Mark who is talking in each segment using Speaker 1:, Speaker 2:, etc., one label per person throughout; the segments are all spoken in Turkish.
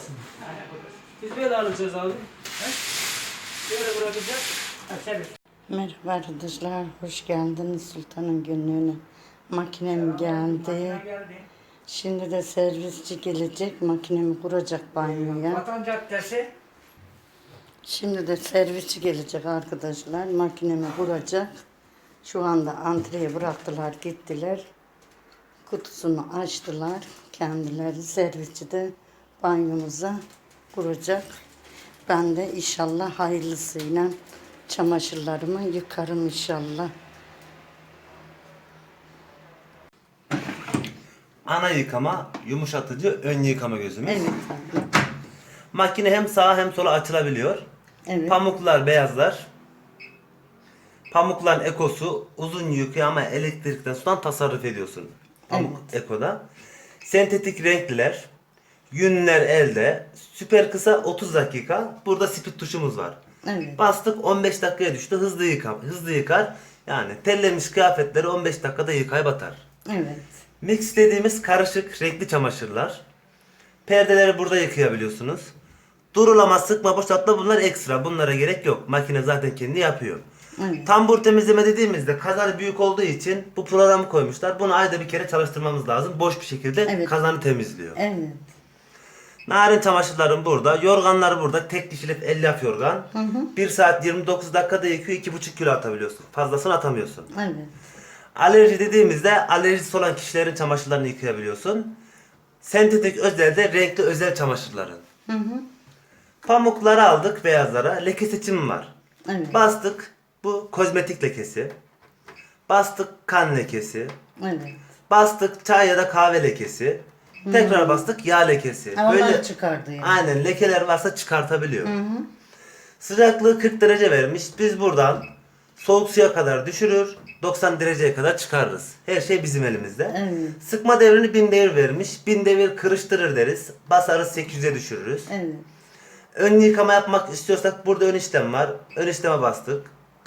Speaker 1: olsun. Biz böyle alacağız abi. He? Böyle bırakacağız. Ha, çevir.
Speaker 2: Merhaba arkadaşlar, hoş geldiniz Sultan'ın günlüğüne. Makinem geldi. Şimdi de servisçi gelecek, makinemi kuracak banyoya.
Speaker 1: Vatan Caddesi.
Speaker 2: Şimdi de servisçi gelecek arkadaşlar, makinemi kuracak. Şu anda antreye bıraktılar, gittiler. Kutusunu açtılar kendileri, servisçi de banyomuza kuracak. Ben de inşallah hayırlısıyla çamaşırlarımı yıkarım inşallah.
Speaker 3: Ana yıkama, yumuşatıcı, ön yıkama gözümüz.
Speaker 2: Evet abi.
Speaker 3: Makine hem sağa hem sola açılabiliyor.
Speaker 2: Evet.
Speaker 3: Pamuklar beyazlar. Pamukların ekosu uzun yıkıyor ama elektrikten sudan tasarruf ediyorsun. Pamuk ekoda. Sentetik renkliler. Yünler elde. Süper kısa 30 dakika. Burada speed tuşumuz var.
Speaker 2: Evet.
Speaker 3: Bastık 15 dakikaya düştü. Hızlı yıkar. Yani terlemiş kıyafetleri 15 dakikada yıkayıp atar.
Speaker 2: Evet.
Speaker 3: Mix dediğimiz karışık renkli çamaşırlar. Perdeleri burada yıkayabiliyorsunuz. Durulama, sıkma, boşaltma bunlar ekstra. Bunlara gerek yok. Makine zaten kendi yapıyor.
Speaker 2: Evet.
Speaker 3: Tambur temizleme dediğimizde kazanı büyük olduğu için bu programı koymuşlar. Bunu ayda bir kere çalıştırmamız lazım. Boş bir şekilde
Speaker 2: Evet.
Speaker 3: kazanı temizliyor.
Speaker 2: Evet.
Speaker 3: Narin çamaşırlarım burada. Yorganlar burada. Tek kişilik elyaf yorgan. 1 saat 29 dakikada yıkıyor. 2,5 kilo atabiliyorsun. Fazlasını atamıyorsun.
Speaker 2: Evet.
Speaker 3: Alerji dediğimizde alerjisi olan kişilerin çamaşırlarını yıkayabiliyorsun. Sentetik özel de renkli özel çamaşırların. Pamukları aldık beyazlara. Leke seçimi var.
Speaker 2: Evet.
Speaker 3: Bastık. Bu kozmetik lekesi. Bastık kan lekesi.
Speaker 2: Evet.
Speaker 3: Bastık çay ya da kahve lekesi. Tekrar bastık yağ lekesi.
Speaker 2: Havalar çıkardı yani.
Speaker 3: Aynen lekeler varsa çıkartabiliyor. Sıcaklığı 40 derece vermiş. Biz buradan soğuk suya kadar düşürür. 90 dereceye kadar çıkarırız. Her şey bizim elimizde.
Speaker 2: Evet.
Speaker 3: Sıkma devrini 1000 devir vermiş. 1000 devir kırıştırır deriz. Basarız 800'e düşürürüz.
Speaker 2: Evet.
Speaker 3: Ön yıkama yapmak istiyorsak burada ön işlem var. Ön işleme bastık.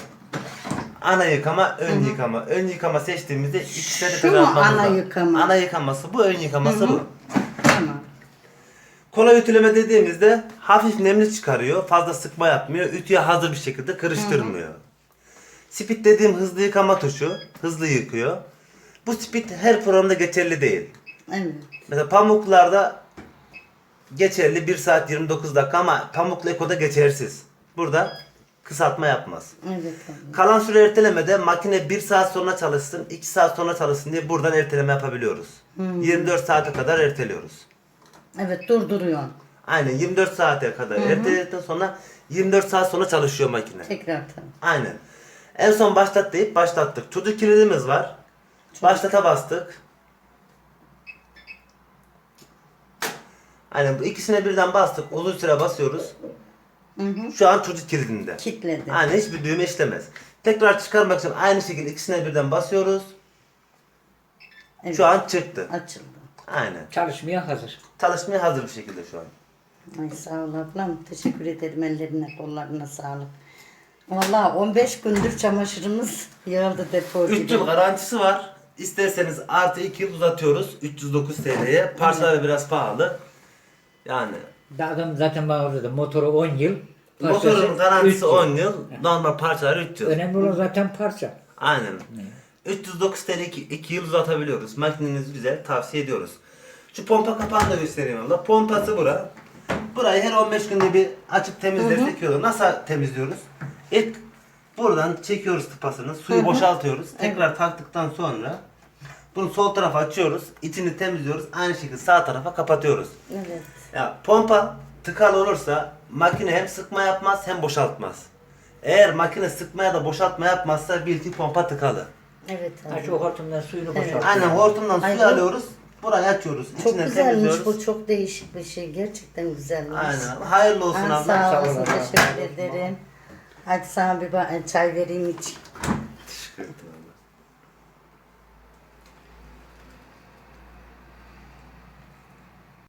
Speaker 3: Ana yıkama, ön yıkama. Ön yıkama seçtiğimizde ikisini de
Speaker 2: Şu mu
Speaker 3: atmamız
Speaker 2: ana
Speaker 3: lazım.
Speaker 2: yıkama?
Speaker 3: Ana yıkaması bu, ön yıkaması bu.
Speaker 2: Tamam.
Speaker 3: Kolay ütüleme dediğimizde hafif nemli çıkarıyor. Fazla sıkma yapmıyor. Ütüye hazır bir şekilde kırıştırmıyor. Speed dediğim hızlı yıkama tuşu. Hızlı yıkıyor. Bu speed her programda geçerli değil.
Speaker 2: Evet.
Speaker 3: Mesela pamuklarda geçerli 1 saat 29 dakika ama pamuklu ekoda geçersiz. Burada kısaltma yapmaz.
Speaker 2: Evet abi.
Speaker 3: Kalan süre ertelemede makine 1 saat sonra çalışsın, 2 saat sonra çalışsın diye buradan erteleme yapabiliyoruz. 24 saate kadar erteliyoruz.
Speaker 2: Evet, durduruyorsun.
Speaker 3: Aynen 24 saate kadar erteledikten sonra 24 saat sonra çalışıyor makine.
Speaker 2: Tekrar tabii.
Speaker 3: Aynen. En son başlat deyip başlattık. Çocuk kilidimiz var. Başlata bastık. Aynen bu ikisine birden bastık. Uzun süre basıyoruz. Şu an çocuk kilidinde.
Speaker 2: Kitledi.
Speaker 3: Aynen hiçbir düğme işlemez. Tekrar çıkarmak için aynı şekilde ikisine birden basıyoruz.
Speaker 2: Evet.
Speaker 3: Şu an çıktı.
Speaker 2: Açıldı.
Speaker 3: Aynen.
Speaker 1: Çalışmaya hazır.
Speaker 3: Çalışmaya hazır bir şekilde şu an.
Speaker 2: Ay sağ ol ablam. Teşekkür ederim. Ellerine kollarına sağlık. Vallahi 15 gündür çamaşırımız yığıldı depo
Speaker 3: 3
Speaker 2: gibi.
Speaker 3: yıl garantisi var. İsterseniz artı 2 yıl uzatıyoruz. 309 TL'ye. Parçaları biraz pahalı. Yani
Speaker 1: Adam zaten bana orada da motoru 10 yıl.
Speaker 3: motorun
Speaker 1: parçası 3
Speaker 3: garantisi
Speaker 1: yıl.
Speaker 3: 10 yıl. Normal parçalar 3 yıl.
Speaker 1: Önemli olan zaten parça.
Speaker 3: Aynen. 309 TL 2 yıl uzatabiliyoruz. Makineniz güzel. Tavsiye ediyoruz. Şu pompa kapağını da göstereyim abla. Pompası bura. Burayı her 15 günde bir açıp temizlersek iyi olur. Nasıl temizliyoruz? İlk buradan çekiyoruz tıpasını. Suyu boşaltıyoruz. Tekrar taktıktan sonra bunu sol tarafa açıyoruz. İçini temizliyoruz. Aynı şekilde sağ tarafa kapatıyoruz.
Speaker 2: Evet.
Speaker 3: Ya pompa tıkalı olursa makine hem sıkma yapmaz hem boşaltmaz. Eğer makine sıkma ya da boşaltma yapmazsa bil ki pompa tıkalı.
Speaker 2: Evet
Speaker 1: Ha,
Speaker 2: abi.
Speaker 1: şu hortumdan suyunu boşalt.
Speaker 3: Aynen hortumdan
Speaker 2: Ay,
Speaker 3: suyu
Speaker 2: bu-
Speaker 3: alıyoruz. Burayı açıyoruz.
Speaker 2: Çok
Speaker 3: İçine
Speaker 2: güzelmiş
Speaker 3: temizliyoruz.
Speaker 2: bu. Çok değişik bir şey. Gerçekten güzelmiş.
Speaker 3: Aynen. Hayırlı olsun
Speaker 2: Ha,
Speaker 3: abla.
Speaker 2: sağ
Speaker 1: Sağ
Speaker 2: olasın.
Speaker 1: olun.
Speaker 2: Teşekkür ederim. Hadi sana bir çay vereyim iç.